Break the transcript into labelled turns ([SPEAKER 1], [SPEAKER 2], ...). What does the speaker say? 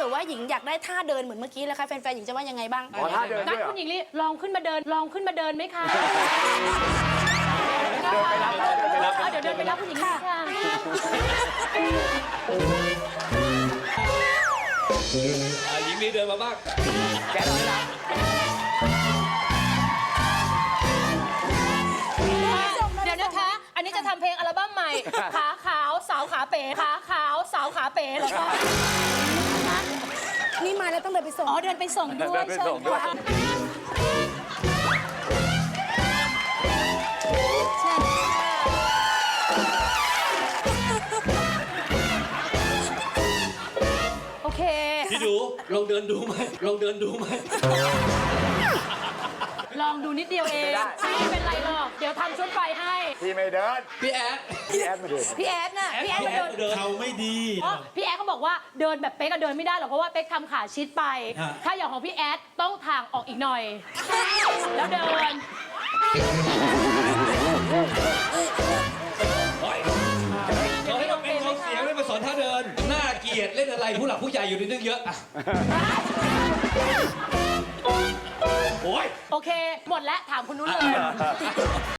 [SPEAKER 1] กิดว่าหญิงอยากได้ท่าเดินเหมือนเมื่อกี้แล้วค่ะแฟนๆหญิงจะว่ายังไงบ้าง
[SPEAKER 2] อ๋อท่าเดิน
[SPEAKER 3] งั้
[SPEAKER 2] ด้วน ยเหรอ
[SPEAKER 3] คุณหญิงลีลองขึ้นมาเดินไหมคะ
[SPEAKER 2] เดินไปรับ
[SPEAKER 3] เดี๋ยวเดินไปรับคุณหญิงลีค่ะ
[SPEAKER 4] หญิงลีเดินมาบ้าง
[SPEAKER 2] แกน้อยรับ
[SPEAKER 3] เดี๋ยวนะคะ อันนี้จะทำเพลงอัลบั้มใหม่ ขาขาวสาวขาเป๋ขาขาวสาวขาเป๋เหรอคะ
[SPEAKER 1] นี่มาแล้วต้องเดินไปส่ง
[SPEAKER 3] อ๋อเดินไปส่งด้วย
[SPEAKER 2] เดินไปส่งด้วย
[SPEAKER 3] โอเค
[SPEAKER 4] พี่ดูลองเดินดูไหมลองเดินดูไหม
[SPEAKER 3] ลองดูนิดเดียวเองไม่เป็นไรหรอกเดี๋ยวทำชุดไฟให้
[SPEAKER 2] พี่ไม่เดิน
[SPEAKER 4] พี่แอด
[SPEAKER 2] พี่แอดมาเดิน
[SPEAKER 3] พี่แอดน่ะพี่แอดมาเดิน
[SPEAKER 5] เขาไม่ดี
[SPEAKER 3] เพราะพี่แอดเขาบอกว่าเดินแบบเป๊กก็เดินไม่ได้หรอกเพราะว่าเป๊กทำขาชิดไป
[SPEAKER 5] ฮะ
[SPEAKER 3] ถ้าอย่างของพี่แอดต้องทางออกอีกหน่อย แล้วเดิน
[SPEAKER 4] เขาให้มาเป็นกองเสียงไม่มาสอนท่าเดิน น่าเกลียดเล่นอะไรผู้หลักผู้ใหญ่อยู่ในนึงเยอะอะโอ้ย
[SPEAKER 3] โอเค หมดแล้วถามคุณนุ้นเลย